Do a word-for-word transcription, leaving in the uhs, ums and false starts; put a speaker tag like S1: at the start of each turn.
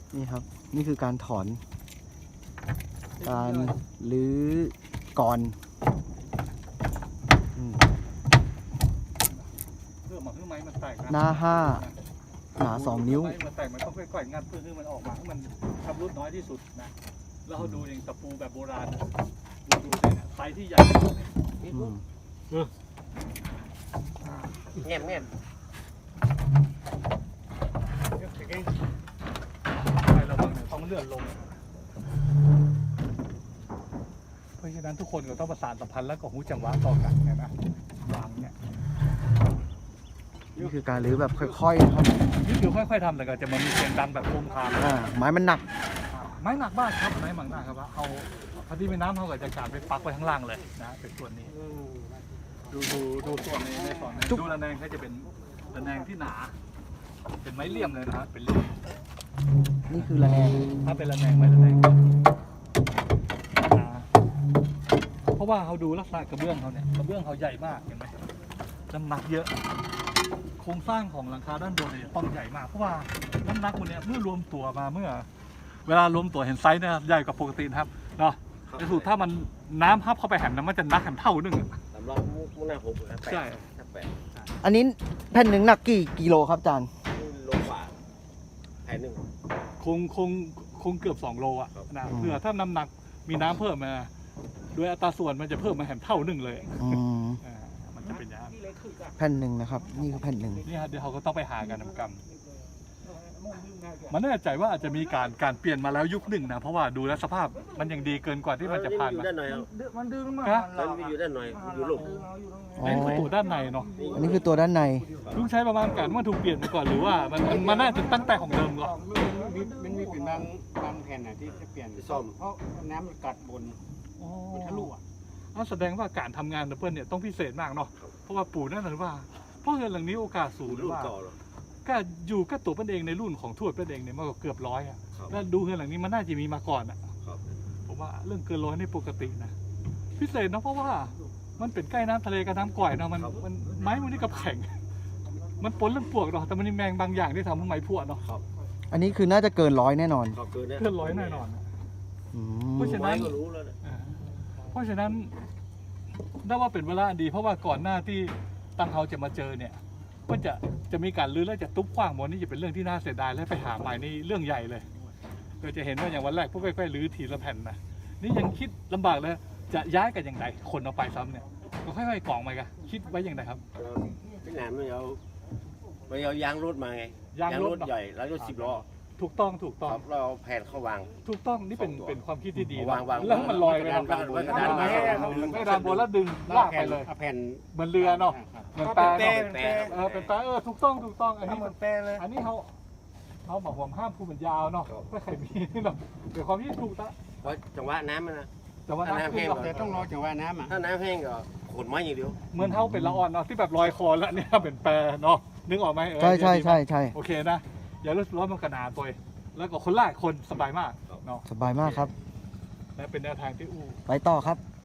S1: นี่ครับนี่คือการถอน การรื้อก่อนอืม
S2: เพื่อมาเพื่อไม้มันแตก
S1: หน้าห้าหนาสองนิ้ว
S2: ไม้มันแตกมันต้องค่อยๆงัดเพื่อให้มันออกมาให้มันชำรุดน้อยที่สุดนะแล้วเราดูอย่างตะปูแบบโบราณนะดูดูเนี่ยไซส์ที่ใหญ่ที่สุดเนี่ย
S1: อืม
S3: แง่มแง่ม
S2: ใช่ระวังเนี่ยต้องเลื่อนลง เพราะฉะนั้นทุกคนก็ต้องประสานสัมพันธ์แล้วก็หูจังหวะต่อกันไงนะวางเนี่ย
S1: นี่คือการรื้อแบบค่อยๆนะครับ
S2: นี่คือค่อยๆทำแต่ก็จะมันมีเสียงดังแบบโคมคาม
S1: อ่าไม้มันหนัก
S2: ไม้หนักมากครับไม้หนักมากครับว่าเอาพอดีไปน้ำเขาก็จะการไปปักไว้ข้างล่างเลยนะเป็นส่วนนี้ดูดูดูส่วนในในส่วนนี้
S1: จุ๊บ
S2: ดูระแนงเขาจะเป็นระแนงที่หนา เป็นไม้เลี่ยมเลยนะครับเป็นเลี่ยม
S1: นี่คือระแนง
S2: ถ้าเป็นระแนงไม้ระแนงหนาเพราะว่าเขาดูลักษณะกระเบื้องเขาเนี่ยกระเบื้องเขาใหญ่มากเห็นไหมน้ำหนักเยอะ โครงสร้างของหลังคาด้านบนเนี่ยต้องใหญ่มากเพราะว่าน้ำหนักมันเนี่ยเมื่อรวมตัวมาเมื่อ เวลารวมตัวเห็นไซส์เนี่ยใหญ่กว่าปกตินะครับเนาะในสุดถ้ามันน้ำพับเข้าไปแหมนะมันจะนักแหมเท่านึงอะ
S3: สำรองมุกมุกหน้าหกนะแปด
S2: ใช่
S3: แปด
S1: อันนี้แผ่นหนึ่งหนักกี่กิโลครับอาจารย์
S3: โลกว่าแผ่นหนึ่ง
S2: คงคงคงเกือบสองโลอ่ะ
S3: ครับ
S2: นะ
S1: อืม
S2: เพื่อถ้าน้ำหนักมีน้ำเพิ่มมาด้วยอัตราส่วนมันจะเพิ่มมาแหมเท่านึงเลย
S1: อืม
S2: อ่ามันจะเป็นอย่างนั้น
S1: แผ่นหนึ่งนะครับ นี่คือแผ่นหนึ่ง
S2: นี่ฮะเดี๋ยวเขาก็ต้องไปหากันทำกรรมมันแน่ใจว่าอาจจะมีการการเปลี่ยนมาแล้วยุคหนึ่งนะเพราะว่าดูแลวสภาพมันยังดีเกินกว่าที่มันจะผ่าน
S3: อยู่
S2: มา
S3: ด้านหน่อยเอา
S4: มันดึงมา
S2: ฮะ
S3: มันอยู่ด้านหน่อยอยู่ลูก
S1: อ๋อ
S2: เป็นประตูด้านในเนาะ
S1: อันนี้คือตัวด้านใน
S2: ลุงใช้ประมาณการว่าถูกเปลี่ยนมาก่อนหรือว่ามันมันมันน่าจะตั้งแต่ของเดิมก่อน
S4: มันมีมันมีเป็นบางบางแผ่นน่ะที่จะเปลี่ยน
S3: ที่ซ่อม
S4: เพราะน้ำมันกัดบน
S2: อ๋อ
S4: มันทะลุอ่ะ
S2: นั่นแสดงว่าการทำงานของเพื่อนเนี่ยต้องพิเศษมากเนาะ เพราะว่าปู่นั่นหรือว่า เพราะเงินหลังนี้โอกาสสูงหรือ
S3: ลูก
S2: ว่า
S3: เก่าหรอ
S2: ก็อยู่กับตัวเพื่อนเองในรุ่นของทวดเพื่อนเองเนี่ยมันก็เกือบร้อยอะ
S3: ครับ
S2: แล้วดูเงินหลังนี้มันน่าจะมีมาก่อนอะ
S3: ครับ
S2: ผมว่าเรื่องเกินร้อยนี่ปกตินะ พิเศษเนาะเพราะว่ามันเป็นใกล้น้ำทะเลกับน้ำก่อยเนาะมันมันไม้มันนี่กับแข็ง มันปนเรื่องปวกเนาะแต่มันมีแมงบางอย่างที่ทำให้ไม้พวกเนาะ
S1: อันนี้คือน่าจะเกินร้อยแน่นอน
S3: ครับเกินเนี่ย
S2: เกินร้อยแน่นอนอะ
S1: อืม
S2: เพราะฉะนั้น
S3: ไม้ก็รู้แล้วนะ
S2: อ่าเพราะฉะนั้นได้ว่าเป็นเวลาดี เพราะว่าก่อนหน้าที่ตั้งเขาจะมาเจอเนี่ยก็จะจะมีการลื้อแล้วจะตุ๊บขว้างหมดนี่จะเป็นเรื่องที่น่าเสียดายและไปหาใหม่นี่เรื่องใหญ่เลยก็จะเห็นว่าอย่างวันแรกพวกค่อยๆลื้อทีละแผ่นนะนี่ยังคิดลำบากเลยจะย้ายกันอย่างไรคนเอาไปซ้ำเนี่ยก็ค่อยๆกล่องไปกันคิดไว้อย่างไรครับ
S3: เราพี่หนามไม่เอาไม่เอายางรถมาไง
S2: ยางรถ
S3: ใหญ่แล้วรถสิบล้อ
S2: ถูกต้องถูก
S3: ค
S2: ต้อง
S3: รับเราเอาแผ่นเข้าวาง
S2: ถูกต้องนี่เป็น
S3: สองตัว
S2: เป็นความคิดที่ดี
S3: วางวาง
S2: แล้วให้มันลอยไป
S3: วางวาง
S2: นะ
S3: วางกระดานไว้
S2: ไม่ดานบนแล้วดึงลากไปเลย
S4: อาแผ่น
S2: เหมือนเรือเนาะเหมือนแปร
S3: แปร
S2: เนาะ
S3: แปร
S2: เออเป็นแปลเออถูกต้องถูกต้องอันนี้
S4: เหมือนแปรเลย
S2: อันนี้เขาเขาบอกผมห้ามพูดมันยาวเนาะไม่เคยมีเนาะเดี๋ยวความที่ถูกตะ
S3: เพราะจังหวะน้ำมันนะ
S2: แต่ว่า
S3: ถ้าน้ำ
S2: น้ำ
S3: แห้
S2: ขึ้น
S3: ง
S2: เนาะ
S4: แต่ต้องรอจังหวะน้ำอ่ะ
S3: ถ้าน้ำแห้งก็ขนไม้อย่างเดียว
S2: เหมือนเท่าเป็นละอ่อนเนาะที่แบบลอยคอแล้วเนี่ยเป็นแปรเนาะนึกออกไหมเออ
S1: ใช่ใช่ใช่ใช่
S2: โอเคนะอย่ารู้สึกว่ามันขนาดตัวเองแล้วก็คนลากคนสบายมากเนาะ
S1: สบายมากครับ
S2: และเป็นแนวทางที่อู้
S1: ไปต่อครับ